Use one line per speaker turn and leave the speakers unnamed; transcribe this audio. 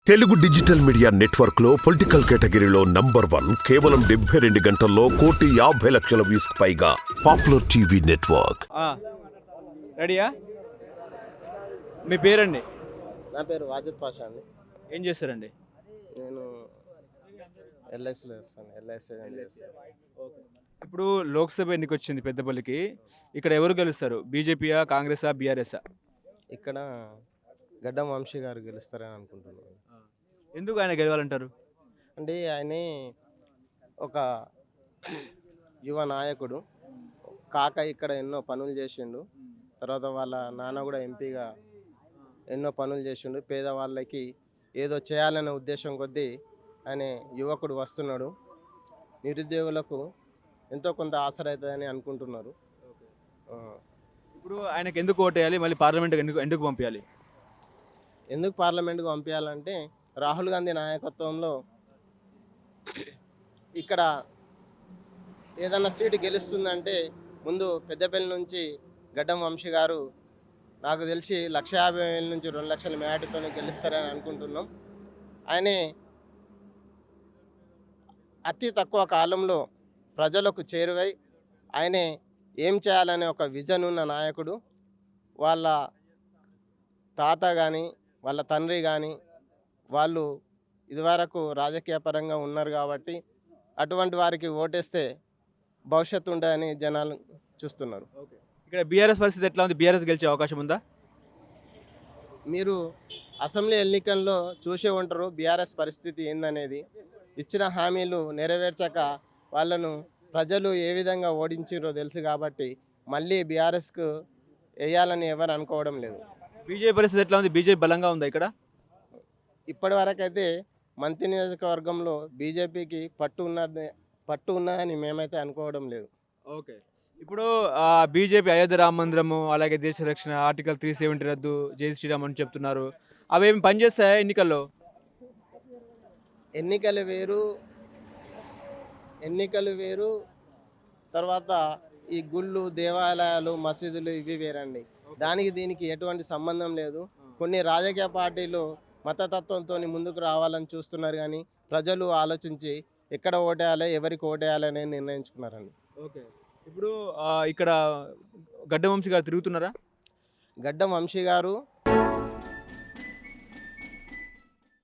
Telugu digital media network లో political కేటగిరీలో number 1 కేవలం 72 గంటల్లో 1,50,00,000 వ్యూస్ పైగా పాపులర్ టీవీ నెట్వర్క్.
రెడీయా? మీ పేరండి?
నా పేరు వాజిద్ పాషా అండి.
ఏం చేస్తారండి?
నేను ఎల్ఐసిలో చేస్తాను. ఎల్ఐసి చేస్తాను.
ఇప్పుడు లోక్సభ ఎన్నిక వచ్చింది పెద్దపల్లికి. ఇక్కడ ఎవరు గెలుస్తారు? బీజేపీయా, కాంగ్రెసా, బీఆర్ఎస్ఆ?
ఇక్కడ గడ్డం వంశీ గారు గెలుస్తారని అనుకుంటున్నాను.
ఎందుకు ఆయన గెలవాలంటారు?
అంటే ఆయనే ఒక యువ నాయకుడు. కాక ఇక్కడ ఎన్నో పనులు చేసిండు. తర్వాత వాళ్ళ నాన్న కూడా ఎంపీగా ఎన్నో పనులు చేసిండు. పేదవాళ్ళకి ఏదో చేయాలనే ఉద్దేశం కొద్దీ ఆయన యువకుడు వస్తున్నాడు. నిరుద్యోగులకు ఎంతో కొంత ఆసరా అవుతుందని అనుకుంటున్నారు.
ఇప్పుడు ఆయనకు ఎందుకు ఓటేయాలి? మళ్ళీ పార్లమెంట్కి ఎందుకు ఎందుకు పంపించాలి?
ఎందుకు పార్లమెంట్కు పంపించాలంటే రాహుల్ గాంధీ నాయకత్వంలో ఇక్కడ ఏదన్నా సీటు గెలుస్తుందంటే ముందు పెద్దపల్లి నుంచి గడ్డం వంశీ గారు నాకు తెలిసి 1,50,000 నుంచి 2 లక్షల మేటతోనే గెలుస్తారని అనుకుంటున్నాం. ఆయనే అతి తక్కువ కాలంలో ప్రజలకు చేరువై ఆయనే ఏం చేయాలనే ఒక విజన్ ఉన్న నాయకుడు. వాళ్ళ తాత కానీ వాళ్ళ తండ్రి కానీ వాళ్ళు ఇదివరకు రాజకీయ పరంగా ఉన్నారు కాబట్టి అటువంటి వారికి ఓటేస్తే భవిష్యత్తు ఉంటుందని జనాలు చూస్తున్నారు.
ఇక్కడ బీఆర్ఎస్ పరిస్థితి ఎట్లా ఉంది? బీఆర్ఎస్ గెలిచే అవకాశం ఉందా?
మీరు అసెంబ్లీ ఎన్నికల్లో చూసే ఉంటారు బీఆర్ఎస్ పరిస్థితి ఏందనేది. ఇచ్చిన హామీలు నెరవేర్చక వాళ్ళను ప్రజలు ఏ విధంగా ఓడించారో తెలుసు కాబట్టి మళ్ళీ బీఆర్ఎస్కు వేయాలని ఎవరు అనుకోవడం లేదు.
బీజేపీ పరిస్థితి ఎట్లా ఉంది? బీజేపీ బలంగా ఉందా ఇక్కడ?
ఇప్పటి వరకైతే మంత్రి నియోజకవర్గంలో బీజేపీకి పట్టు ఉన్నదని మేమైతే అనుకోవడం లేదు.
ఓకే. ఇప్పుడు బీజేపీ అయోధ్య రామ మందిరము, అలాగే దేశ రక్షణ, ఆర్టికల్ 370 రద్దు, జై శ్రీరామ్ అని చెప్తున్నారు. అవేమి పనిచేస్తాయా ఎన్నికల్లో?
ఎన్నికలు వేరు. తర్వాత ఈ గుళ్ళు, దేవాలయాలు, మసీదులు ఇవి వేరండి. దానికి దీనికి ఎటువంటి సంబంధం లేదు. కొన్ని రాజకీయ పార్టీలు మతతత్వంతో ముందుకు రావాలని చూస్తున్నారు కానీ ప్రజలు ఆలోచించి ఎక్కడ ఓటేయాలి, ఎవరికి ఓటేయాలని నిర్ణయించుకున్నారండి.
ఓకే. ఇప్పుడు ఇక్కడ గడ్డం వంశీ గారు తిరుగుతున్నారా?
గడ్డం వంశీ గారు